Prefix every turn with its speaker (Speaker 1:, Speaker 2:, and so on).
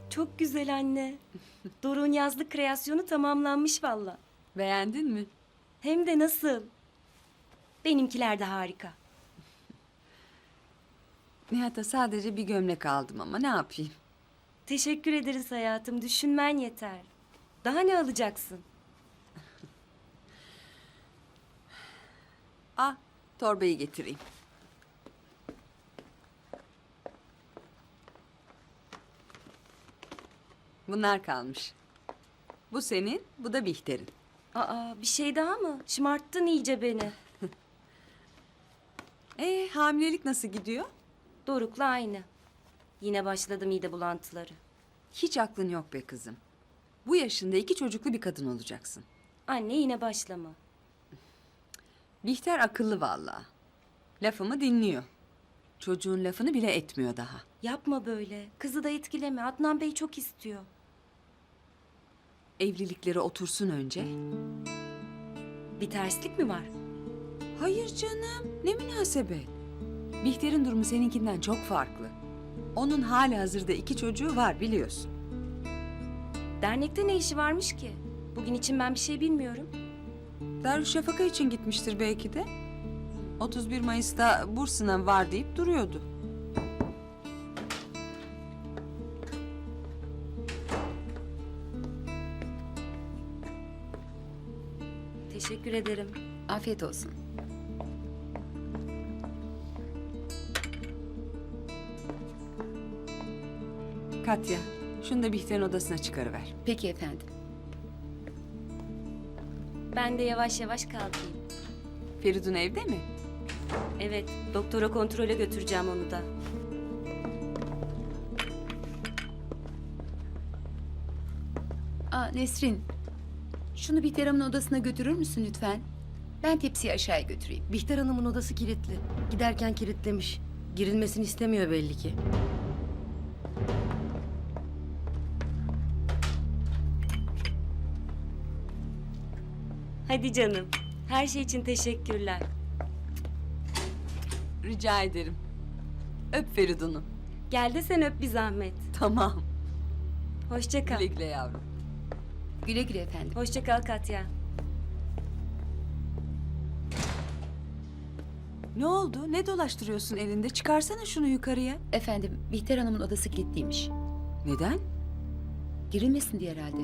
Speaker 1: Çok güzel anne. Doruk'un yazlık kreasyonu tamamlanmış valla.
Speaker 2: Beğendin mi?
Speaker 1: Hem de nasıl? Benimkiler de harika.
Speaker 2: Nihat'a sadece bir gömlek aldım ama ne yapayım?
Speaker 1: Teşekkür ederiz hayatım. Düşünmen yeter. Daha ne alacaksın?
Speaker 2: Ah, torbayı getireyim. Bunlar kalmış. Bu senin, bu da Bihter'in.
Speaker 1: Aa, bir şey daha mı? Şımarttın iyice beni.
Speaker 2: Hamilelik nasıl gidiyor?
Speaker 1: Doruk'la aynı. Yine başladı mide bulantıları.
Speaker 2: Hiç aklın yok be kızım. Bu yaşında 2 çocuklu bir kadın olacaksın.
Speaker 1: Anne yine başlama.
Speaker 2: Bihter akıllı vallahi. Lafımı dinliyor. Çocuğun lafını bile etmiyor daha.
Speaker 1: Yapma böyle. Kızı da etkileme. Adnan Bey çok istiyor.
Speaker 2: Evlilikleri otursun önce.
Speaker 1: Bir terslik mi var?
Speaker 2: Hayır canım, ne münasebet. Bihter'in durumu seninkinden çok farklı. Onun halihazırda 2 çocuğu var biliyorsun.
Speaker 1: Dernekte ne işi varmış ki? Bugün için ben bir şey bilmiyorum.
Speaker 2: Darüşşafaka için gitmiştir belki de. 31 Mayıs'ta burs sınavı var deyip duruyordu.
Speaker 1: Teşekkür ederim.
Speaker 3: Afiyet olsun.
Speaker 2: Katya, şunu da Bihter'in odasına çıkarıver.
Speaker 3: Peki efendim.
Speaker 1: Ben de yavaş yavaş kalkayım.
Speaker 2: Feridun evde mi?
Speaker 1: Evet, doktora kontrole götüreceğim onu da.
Speaker 3: Nesrin. Şunu Bihter Hanım'ın odasına götürür müsün lütfen? Ben tepsiyi aşağıya götüreyim.
Speaker 4: Bihter Hanım'ın odası kilitli. Giderken kilitlemiş. Girilmesini istemiyor belli ki.
Speaker 1: Hadi canım. Her şey için teşekkürler.
Speaker 2: Rica ederim. Öp Feridun'u.
Speaker 1: Gel de sen öp bir zahmet.
Speaker 2: Tamam.
Speaker 1: Hoşça kal.
Speaker 2: Güle güle yavrum.
Speaker 3: Güle güle efendim.
Speaker 1: Hoşça kal Katya.
Speaker 2: Ne oldu? Ne dolaştırıyorsun elinde? Çıkarsana şunu yukarıya.
Speaker 3: Efendim, Bihter Hanım'ın odası kilitliymiş.
Speaker 2: Neden?
Speaker 3: Girilmesin diye herhalde.